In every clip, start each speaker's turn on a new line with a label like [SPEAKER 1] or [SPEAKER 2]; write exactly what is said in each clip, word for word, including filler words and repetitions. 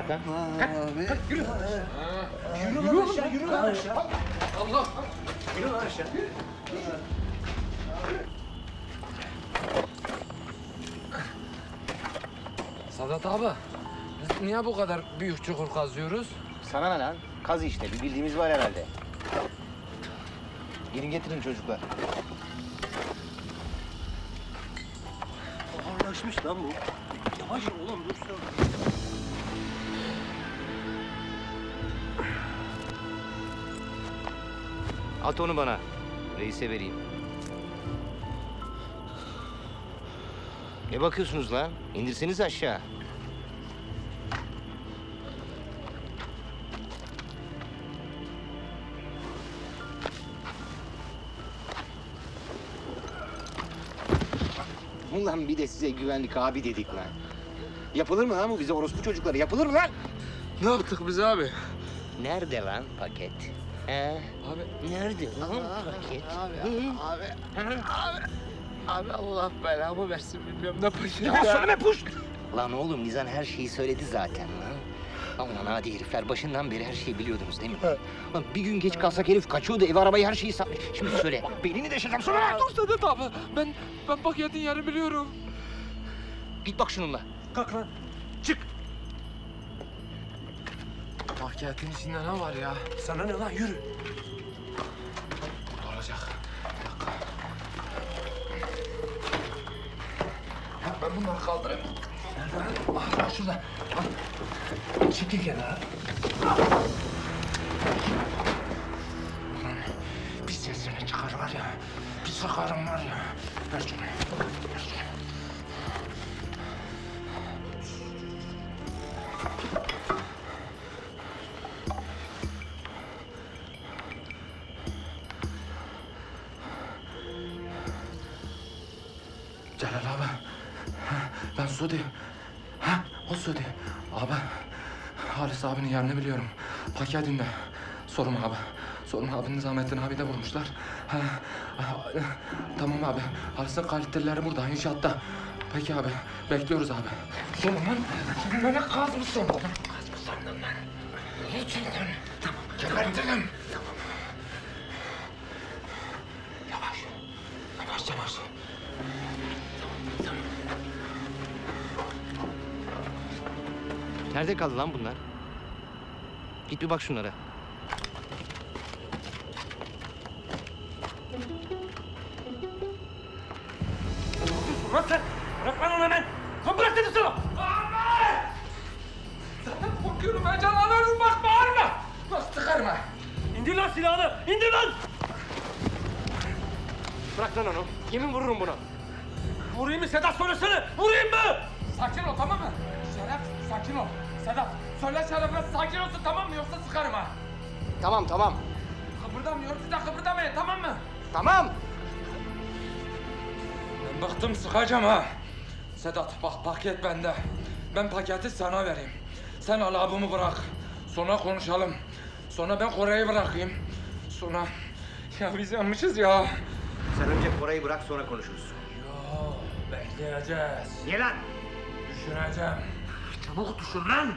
[SPEAKER 1] Kalk lan. Kalk. Kalk yürü.
[SPEAKER 2] Yürü lan aşağı, yürü lan aşağı.
[SPEAKER 1] Allah.
[SPEAKER 2] Yürü lan aşağı.
[SPEAKER 3] Sadat abi, biz niye bu kadar büyük çukur kazıyoruz?
[SPEAKER 1] Sana ne lan? Kaz işte. Bir bildiğimiz var herhalde. Gelin getirin çocuklar.
[SPEAKER 2] Ağırlaşmış lan bu. Yavaş oğlum, dur sen.
[SPEAKER 1] At onu bana. Reise vereyim. Ne bakıyorsunuz lan? İndirseniz aşağı. Ulan bir de size güvenlik abi dedik lan. Yapılır mı lan bu bize orospu çocukları? Yapılır mı lan?
[SPEAKER 3] Ne yaptık biz abi?
[SPEAKER 1] Nerede lan paket? He?
[SPEAKER 3] Abi,
[SPEAKER 1] Nerede lan paket?
[SPEAKER 3] abi, abi, abi, abi Allah belamı versin bilmiyorum ne paşa
[SPEAKER 1] Ya söyleme puş! Lan oğlum Nizam her şeyi söyledi zaten lan. Aman hadi herifler başından beri her şeyi biliyordunuz değil mi? Lan bir gün geç kalsak herif kaçıyordu, ev arabayı her şeyi satmış. Şimdi söyle, belini deşeceğim söyle lan!
[SPEAKER 3] Dur Sadat abi, ben, ben paketin yerini biliyorum.
[SPEAKER 1] Git bak şununla.
[SPEAKER 2] Kalk lan. Çık.
[SPEAKER 3] Paketin içinde ne var ya?
[SPEAKER 2] Sana ne lan, yürü.
[SPEAKER 3] Burada olacak. Bir dakika. Ya ben bunları kaldırayım. Nerede? Ah, şurada. Al.
[SPEAKER 2] Çekil kenara.
[SPEAKER 3] Ulan bir sesini çıkar var ya. Bir sıkarım var ya. Ver şunu. Ver şunu. Celal abi. Ha, ben Sudi. Ha, o Sudi. Abi, Halis abinin yerini biliyorum. Paketinde. Sorma abi. Sorma abi, Nizamettin abi de vurmuşlar. Ha, ha, tamam abi. Halis'in kalitelileri burada, inşaatta. Peki abi, bekliyoruz abi. Sorma lan. Sen beni kaz mı sandın? Kaz mı sandın lan? Niçin lan? Tamam. Gebertirim. Tamam. Yavaş. Yavaş yavaş.
[SPEAKER 1] Nerede kaldı lan bunlar? Git bir bak şunlara.
[SPEAKER 2] Lan sen. Bırak lan onu hemen. Lan bırak dedim sana.
[SPEAKER 3] Zaten korkuyorum, heyecanlanıyorum, bak bağırma! Nasıl çıkarma?
[SPEAKER 2] İndir lan silahını. İndir lan.
[SPEAKER 1] Bırak lan onu. Yemin vururum buna.
[SPEAKER 2] Vurayım mı Sedat, söylesene. Vurayım mı?
[SPEAKER 3] Sakin ol, tamam mı? Şeref, sakin ol. Sedat, söyle Şeref'e sakin olsun, tamam mı? Yoksa sıkarım ha.
[SPEAKER 1] Tamam tamam.
[SPEAKER 3] Kıpırdamıyor, siz de kıpırdamayın, tamam mı?
[SPEAKER 1] Tamam.
[SPEAKER 3] Ben bıktım, sıkacağım ha. Sedat, bak paket bende. Ben paketi sana vereyim. Sen al abimi bırak. Sonra konuşalım. Sonra ben Kore'yi bırakayım. Sonra... Ya biz yanmışız ya.
[SPEAKER 1] Sen önce Koray'ı bırak sonra konuşuruz.
[SPEAKER 3] Yo, bekleyeceğiz.
[SPEAKER 1] Niye lan?
[SPEAKER 3] Düşüneceğim. Çabuk düşün lan!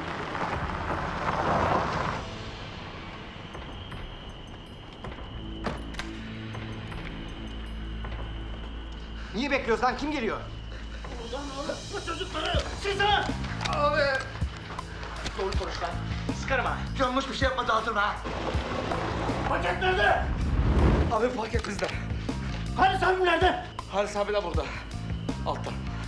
[SPEAKER 1] Niye bekliyoruz lan? Kim geliyor?
[SPEAKER 2] Bu çocukları size.
[SPEAKER 3] Abi!
[SPEAKER 1] Doğru konuş lan. Sıkarım ha.
[SPEAKER 2] Yanlış bir şey yapma, dağıtırma ha. Paket nerede?
[SPEAKER 3] Abi paket bizde.
[SPEAKER 2] Halis abim nerede?
[SPEAKER 3] Halis abi de burada. Altta.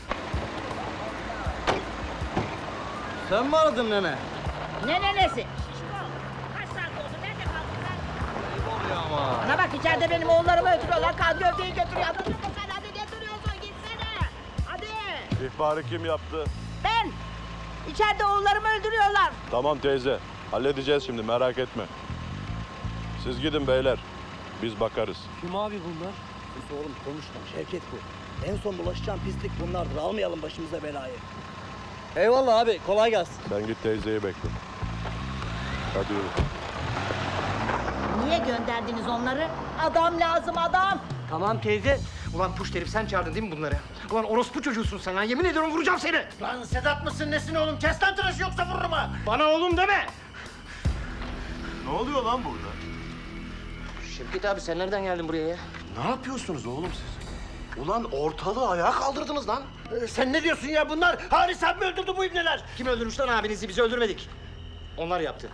[SPEAKER 1] Sen mi aradın nene?
[SPEAKER 4] Ne nenesi? Kaç saat oldu? Nerede kaldın sen?
[SPEAKER 1] Ayıp oluyor ama.
[SPEAKER 4] Bana bak, içeride benim oğullarımı ötürüyorlar. Kaz gövdeyi götürüyor. Anladın mı sen? Hadi getiriyorsun, gitsene. Hadi.
[SPEAKER 5] İhbarı kim yaptı?
[SPEAKER 4] Ben. İçeride oğullarımı öldürüyorlar.
[SPEAKER 5] Tamam teyze. Halledeceğiz şimdi, merak etme. Siz gidin beyler. Biz bakarız.
[SPEAKER 2] Kim abi bunlar?
[SPEAKER 6] Sus oğlum, konuşma. Şevket bu. En son bulaşacağın pislik bunlardır. Almayalım başımıza belayı. Eyvallah abi. Kolay gelsin.
[SPEAKER 5] Sen git teyzeyi bekle. Hadi yürü.
[SPEAKER 4] Niye gönderdiniz onları? Adam lazım, adam.
[SPEAKER 6] Tamam teyze.
[SPEAKER 1] Ulan puş herif sen çağırdın değil mi bunları? Ulan orospu çocuğusun sen lan. Yemin ediyorum vuracağım seni.
[SPEAKER 7] Lan Sedat mısın nesin oğlum? Kes lan tıraşı yoksa vururum ha.
[SPEAKER 1] Bana oğlum deme.
[SPEAKER 5] Ne oluyor lan burada?
[SPEAKER 1] Şevket abi sen nereden geldin buraya ya?
[SPEAKER 7] Ne yapıyorsunuz oğlum siz? Ulan ortalığı ayağa kaldırdınız lan. Ee, sen ne diyorsun ya bunlar? Halis abi mi öldürdü bu ibneler?
[SPEAKER 1] Kim öldürmüş lan abinizi? Biz öldürmedik. Onlar yaptı.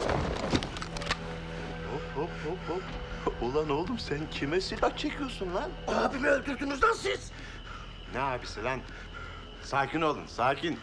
[SPEAKER 7] Hop hop hop hop. Ulan oğlum sen kime silah çekiyorsun lan? Abimi öldürdünüz lan siz. Ne abisi lan? Sakin olun, sakin.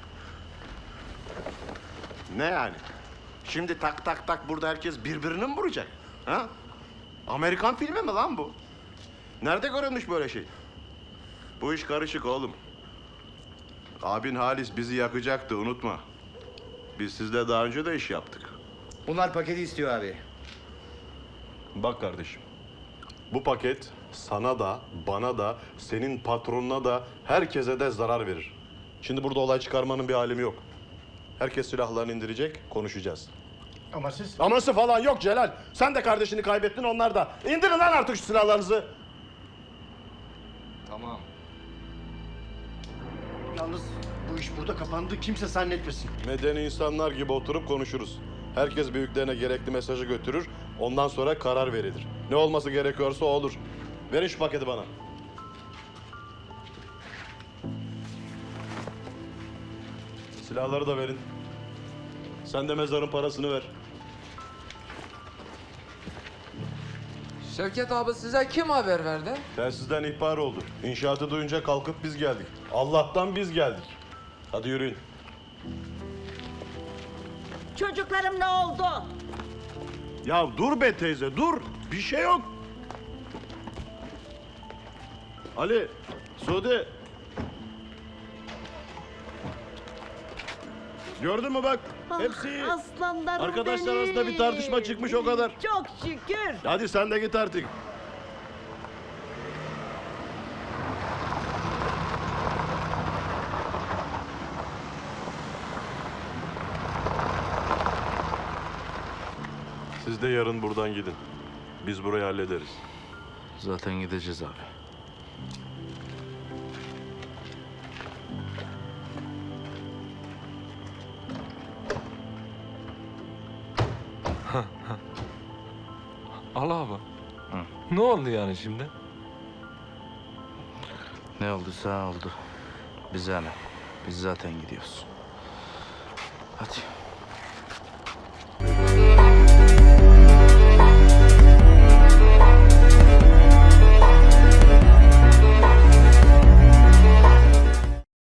[SPEAKER 7] Ne yani? Şimdi tak tak tak burada herkes birbirini mi vuracak? Ha? Amerikan filmi mi lan bu? Nerede görülmüş böyle şey? Bu iş karışık oğlum. Abin Halis bizi yakacaktı, unutma. Biz sizle daha önce de iş yaptık.
[SPEAKER 1] Bunlar paketi istiyor abi.
[SPEAKER 5] Bak kardeşim. Bu paket sana da, bana da, senin patronuna da, herkese de zarar verir. Şimdi burada olay çıkarmanın bir alemi yok. Herkes silahlarını indirecek, konuşacağız.
[SPEAKER 7] Ama siz...
[SPEAKER 5] Aması falan yok Celal. Sen de kardeşini kaybettin, onlar da. İndirin lan artık şu silahlarınızı.
[SPEAKER 1] Tamam.
[SPEAKER 7] Yalnız bu iş burada kapandı, kimse zannetmesin.
[SPEAKER 5] Medeni insanlar gibi oturup konuşuruz. Herkes büyüklerine gerekli mesajı götürür. Ondan sonra karar verilir. Ne olması gerekiyorsa o olur. Verin şu paketi bana. Silahları da verin. Sen de mezarın parasını ver.
[SPEAKER 3] Şevket abi size kim haber verdi?
[SPEAKER 5] Telsizden ihbar oldu. İnşaatı duyunca kalkıp biz geldik. Allah'tan biz geldik. Hadi yürüyün.
[SPEAKER 4] Çocuklarım ne oldu?
[SPEAKER 5] Ya dur be teyze, dur. Bir şey yok. Ali, Sude. Gördün mü bak? Hepsi iyi.
[SPEAKER 4] Ah, aslanlarım
[SPEAKER 5] Arkadaşlar
[SPEAKER 4] benim.
[SPEAKER 5] arasında bir tartışma çıkmış, o kadar.
[SPEAKER 4] Çok şükür.
[SPEAKER 5] Hadi sen de git artık. Siz de yarın buradan gidin. Biz burayı hallederiz.
[SPEAKER 3] Zaten gideceğiz abi.
[SPEAKER 8] Al abi. Ne oldu yani şimdi?
[SPEAKER 9] Ne olduysa oldu. Bize ne? Biz zaten gidiyoruz. Hadi.